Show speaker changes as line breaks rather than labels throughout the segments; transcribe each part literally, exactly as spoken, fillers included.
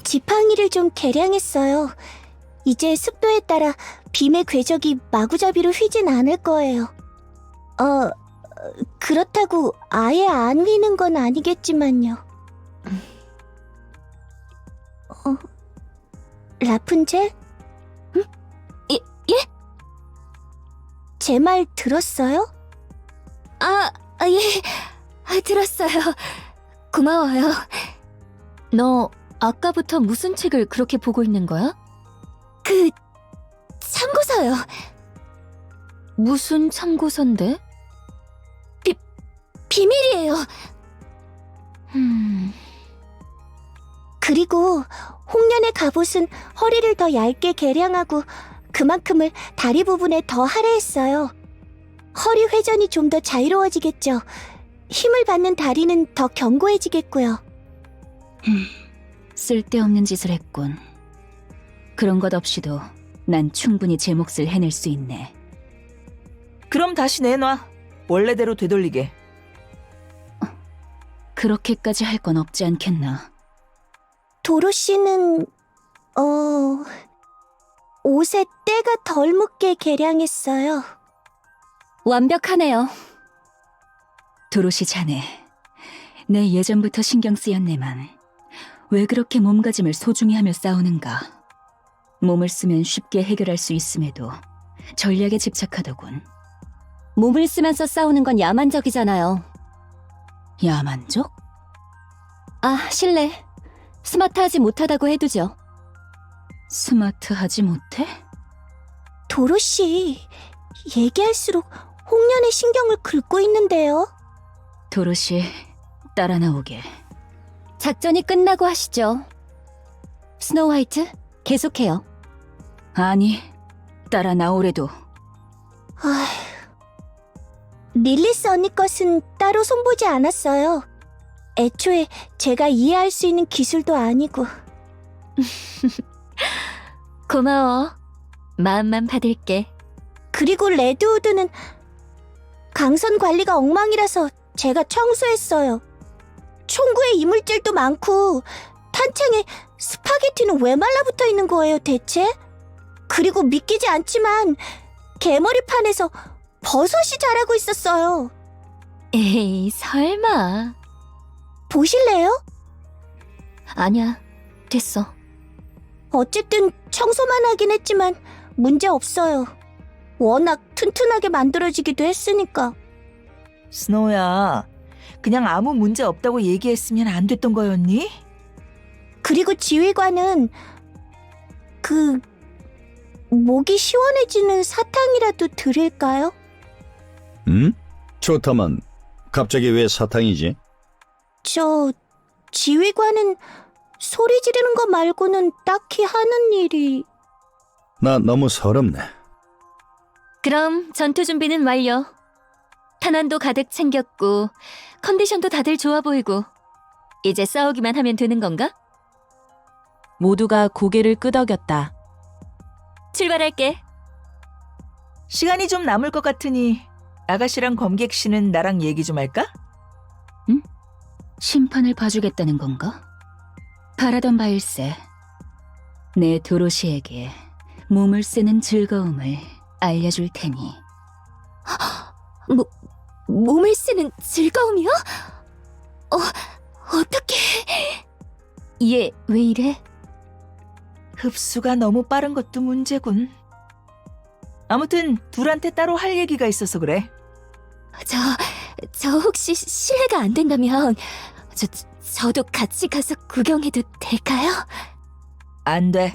지팡이를 좀 개량했어요. 이제 습도에 따라 빔의 궤적이 마구잡이로 휘진 않을 거예요. 어, 그렇다고 아예 안 휘는 건 아니겠지만요. 어, 라푼젤?
응? 예, 예?
제 말 들었어요?
아, 아, 예. 아, 들었어요. 고마워요. 너 아까부터 무슨 책을 그렇게 보고 있는 거야? 그... 참고서요. 무슨 참고서인데? 비... 비밀이에요. 음...
그리고 홍련의 갑옷은 허리를 더 얇게 개량하고 그만큼을 다리 부분에 더 할애했어요. 허리 회전이 좀 더 자유로워지겠죠. 힘을 받는 다리는 더 견고해지겠고요.
음, 쓸데없는 짓을 했군. 그런 것 없이도 난 충분히 제 몫을 해낼 수 있네.
그럼 다시 내놔. 원래대로 되돌리게.
그렇게까지 할 건 없지 않겠나.
도로시는 어... 옷에 때가 덜 묻게 개량했어요.
완벽하네요. 도로시 자네, 내 예전부터 신경 쓰였네만 왜 그렇게 몸가짐을 소중히 하며 싸우는가. 몸을 쓰면 쉽게 해결할 수 있음에도 전략에 집착하더군.
몸을 쓰면서 싸우는 건 야만적이잖아요.
야만적?
아, 실례. 스마트하지 못하다고 해두죠.
스마트하지 못해?
도로시, 얘기할수록 홍련의 신경을 긁고 있는데요.
도로시, 따라 나오게.
작전이 끝나고 하시죠. 스노우 화이트, 계속해요.
아니, 따라 나오래도.
아휴... 릴리스 언니 것은 따로 손보지 않았어요. 애초에 제가 이해할 수 있는 기술도 아니고.
고마워. 마음만 받을게.
그리고 레드우드는 강선 관리가 엉망이라서 제가 청소했어요. 총구에 이물질도 많고 탄창에 스파게티는 왜 말라붙어 있는 거예요 대체? 그리고 믿기지 않지만 개머리판에서 버섯이 자라고 있었어요.
에이, 설마.
보실래요?
아니야, 됐어.
어쨌든 청소만 하긴 했지만 문제 없어요. 워낙 튼튼하게 만들어지기도 했으니까.
스노우야, 그냥 아무 문제 없다고 얘기했으면 안 됐던 거였니?
그리고 지휘관은 그... 목이 시원해지는 사탕이라도 드릴까요?
응? 좋다만 갑자기 왜 사탕이지?
저... 지휘관은 소리 지르는 거 말고는 딱히 하는 일이...
나 너무 서럽네.
그럼 전투 준비는 완료. 탄환도 가득 챙겼고 컨디션도 다들 좋아 보이고 이제 싸우기만 하면 되는 건가?
모두가 고개를 끄덕였다.
출발할게.
시간이 좀 남을 것 같으니 아가씨랑 검객 씨는 나랑 얘기 좀 할까?
심판을 봐주겠다는 건가? 바라던 바일세. 내 도로시에게 몸을 쓰는 즐거움을 알려줄 테니.
뭐, 몸을 쓰는 즐거움이요? 어, 어떡해.
얘 왜 이래?
흡수가 너무 빠른 것도 문제군. 아무튼 둘한테 따로 할 얘기가 있어서 그래.
저, 저 혹시 실례가 안 된다면 저, 저도 같이 가서 구경해도 될까요?
안 돼.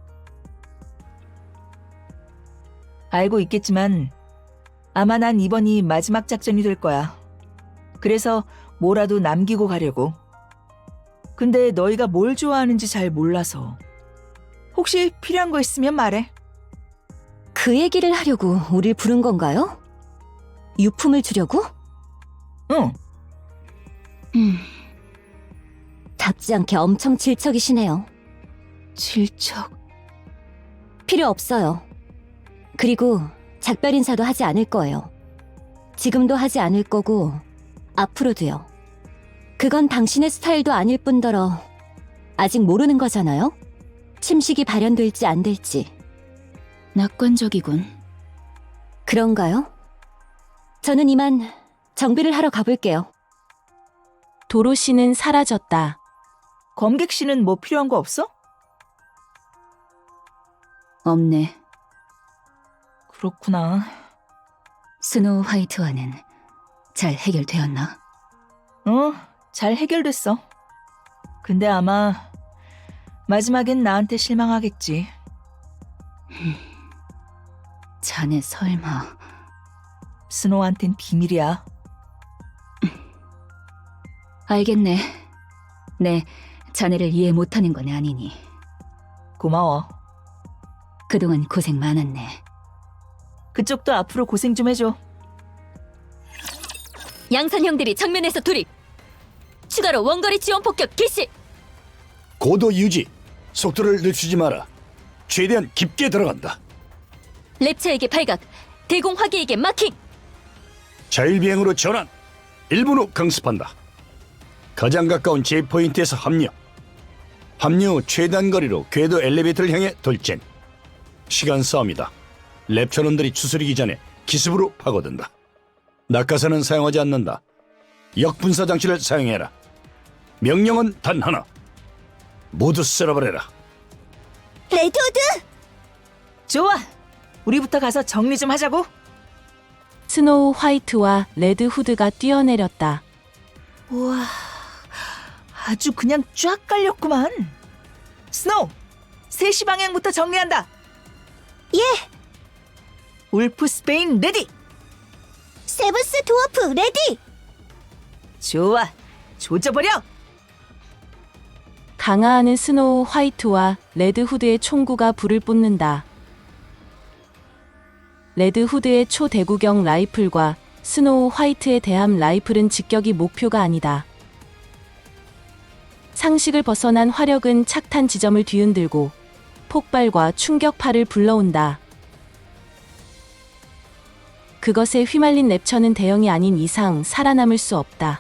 알고 있겠지만 아마 난 이번이 마지막 작전이 될 거야. 그래서 뭐라도 남기고 가려고. 근데 너희가 뭘 좋아하는지 잘 몰라서. 혹시 필요한 거 있으면 말해.
그 얘기를 하려고 우릴 부른 건가요? 유품을 주려고?
응.
음,
답지 않게 엄청 질척이시네요.
질척.
필요 없어요. 그리고 작별 인사도 하지 않을 거예요. 지금도 하지 않을 거고 앞으로도요. 그건 당신의 스타일도 아닐 뿐더러 아직 모르는 거잖아요? 침식이 발현될지 안 될지.
낙관적이군.
그런가요? 저는 이만 정비를 하러 가볼게요.
도로시는 사라졌다.
검객 씨는 뭐 필요한 거 없어?
없네.
그렇구나.
스노우 화이트와는 잘 해결되었나?
어, 잘 해결됐어. 근데 아마 마지막엔 나한테 실망하겠지.
자네 설마...
스노우한텐 비밀이야.
알겠네. 네, 자네를 이해 못하는 건 아니니.
고마워.
그동안 고생 많았네.
그쪽도 앞으로 고생 좀 해줘.
양산 형들이 정면에서 돌입! 추가로 원거리 지원 폭격 개시!
고도 유지. 속도를 늦추지 마라. 최대한 깊게 들어간다.
랩처에게 발각! 대공 화기에게 마킹!
자율비행으로 전환. 일 분 후 강습한다. 가장 가까운 제이포인트에서 합류. 합류 후 최단 거리로 궤도 엘리베이터를 향해 돌진. 시간 싸움이다. 랩처놈들이 추스리기 전에 기습으로 파고든다. 낙하산은 사용하지 않는다. 역분사 장치를 사용해라. 명령은 단 하나. 모두 쓸어버려라.
레드우드!
좋아! 우리부터 가서 정리 좀 하자고.
스노우 화이트와 레드 후드가 뛰어내렸다.
우와, 아주 그냥 쫙 깔렸구만. 스노우, 세 시 방향부터 정리한다.
예!
울프 스페인 레디!
세븐스 드워프 레디!
좋아, 조져버려!
강화하는 스노우 화이트와 레드 후드의 총구가 불을 뿜는다. 레드 후드의 초대구경 라이플과 스노우 화이트의 대함 라이플은 직격이 목표가 아니다. 상식을 벗어난 화력은 착탄 지점을 뒤흔들고 폭발과 충격파를 불러온다. 그것에 휘말린 랩처는 대형이 아닌 이상 살아남을 수 없다.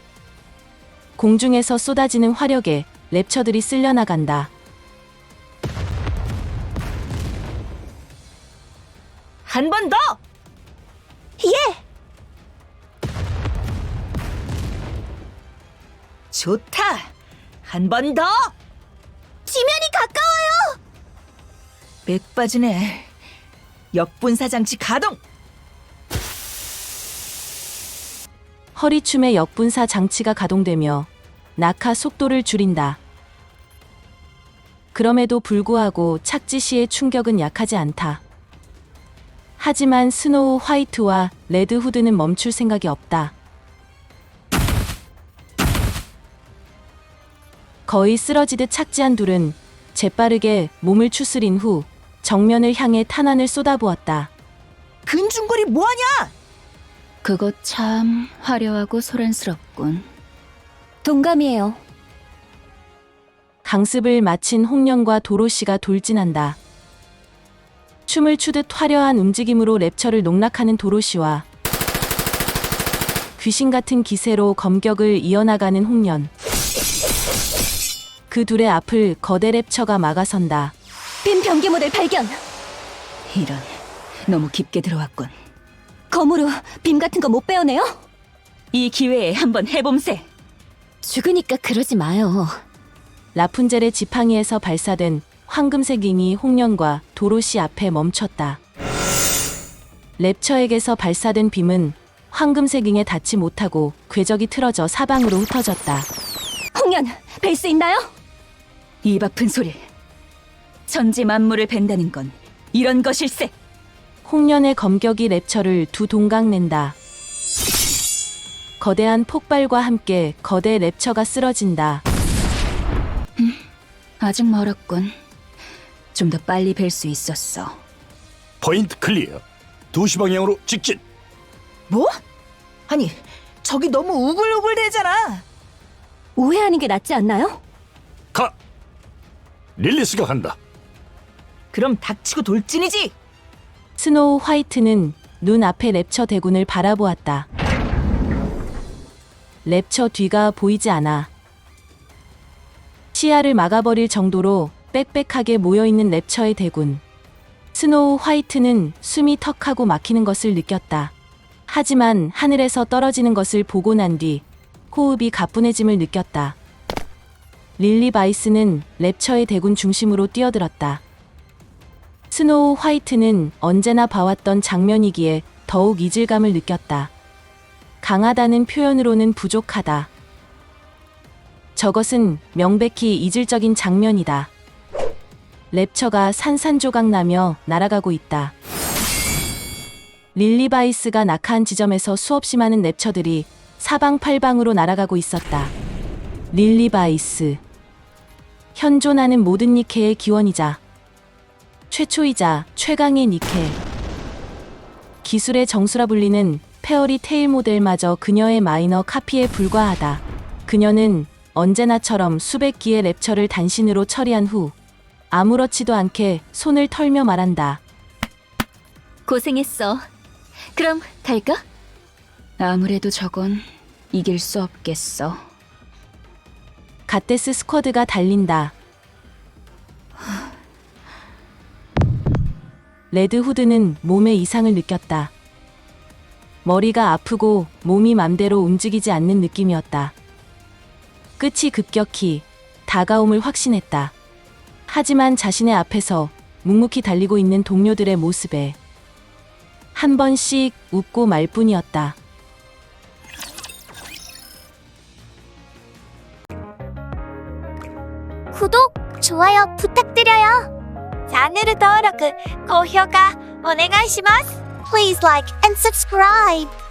공중에서 쏟아지는 화력에 랩처들이 쓸려나간다.
한 번 더!
예!
좋다! 한 번 더!
지면이 가까워요!
맥 빠지네. 역분사 장치 가동!
허리춤의 역분사 장치가 가동되며 낙하 속도를 줄인다. 그럼에도 불구하고 착지 시의 충격은 약하지 않다. 하지만 스노우 화이트와 레드 후드는 멈출 생각이 없다. 거의 쓰러지듯 착지한 둘은 재빠르게 몸을 추스린 후 정면을 향해 탄환을 쏟아부었다.
근중거리 뭐하냐?
그거 참 화려하고 소란스럽군.
동감이에요.
강습을 마친 홍련과 도로시가 돌진한다. 춤을 추듯 화려한 움직임으로 랩처를 농락하는 도로시와 귀신 같은 기세로 검격을 이어나가는 홍련. 그 둘의 앞을 거대 랩처가 막아선다.
빔 병기 모델 발견!
이런, 너무 깊게 들어왔군.
검으로 빔 같은 거 못 빼어내요?
이 기회에 한번 해봄세.
죽으니까 그러지 마요.
라푼젤의 지팡이에서 발사된 황금색 잉이 홍련과 도로시 앞에 멈췄다. 랩처에게서 발사된 빔은 황금색 잉에 닿지 못하고 궤적이 틀어져 사방으로 흩어졌다.
홍련, 뵐 수 있나요?
입 아픈 소리. 천지 만물을 벤다는 건 이런 것일세.
홍련의 검격이 랩처를 두 동강 낸다. 거대한 폭발과 함께 거대 랩처가 쓰러진다.
아직 멀었군. 좀 더 빨리 뵐 수 있었어.
포인트 클리어. 두 시 방향으로 직진.
뭐? 아니, 저기 너무 우글우글대잖아.
오해하는 게 낫지 않나요?
가. 릴리스가 간다.
그럼 닥치고 돌진이지.
스노우 화이트는 눈 앞에 랩처 대군을 바라보았다. 랩처 뒤가 보이지 않아. 시야를 막아버릴 정도로 빽빽하게 모여있는 랩처의 대군. 스노우 화이트는 숨이 턱하고 막히는 것을 느꼈다. 하지만 하늘에서 떨어지는 것을 보고 난 뒤 호흡이 가뿐해짐을 느꼈다. 릴리 바이스는 랩처의 대군 중심으로 뛰어들었다. 스노우 화이트는 언제나 봐왔던 장면이기에 더욱 이질감을 느꼈다. 강하다는 표현으로는 부족하다. 저것은 명백히 이질적인 장면이다. 랩처가 산산조각나며 날아가고 있다. 릴리 바이스가 낙하한 지점에서 수없이 많은 랩처들이 사방팔방으로 날아가고 있었다. 릴리 바이스. 현존하는 모든 니케의 기원이자 최초이자 최강의 니케. 기술의 정수라 불리는 페어리 테일 모델마저 그녀의 마이너 카피에 불과하다. 그녀는 언제나처럼 수백 기의 랩처를 단신으로 처리한 후 아무렇지도 않게 손을 털며 말한다.
고생했어. 그럼 갈까?
아무래도 저건 이길 수 없겠어.
갓데스 스쿼드가 달린다. 레드 후드는 몸에 이상을 느꼈다. 머리가 아프고 몸이 맘대로 움직이지 않는 느낌이었다. 끝이 급격히 다가옴을 확신했다. 하지만 자신의 앞에서 묵묵히 달리고 있는 동료들의 모습에 한 번씩 웃고 말 뿐이었다.
구독, 좋아요 부탁드려요. 채널登録, 고評価お願いします. Please like and subscribe.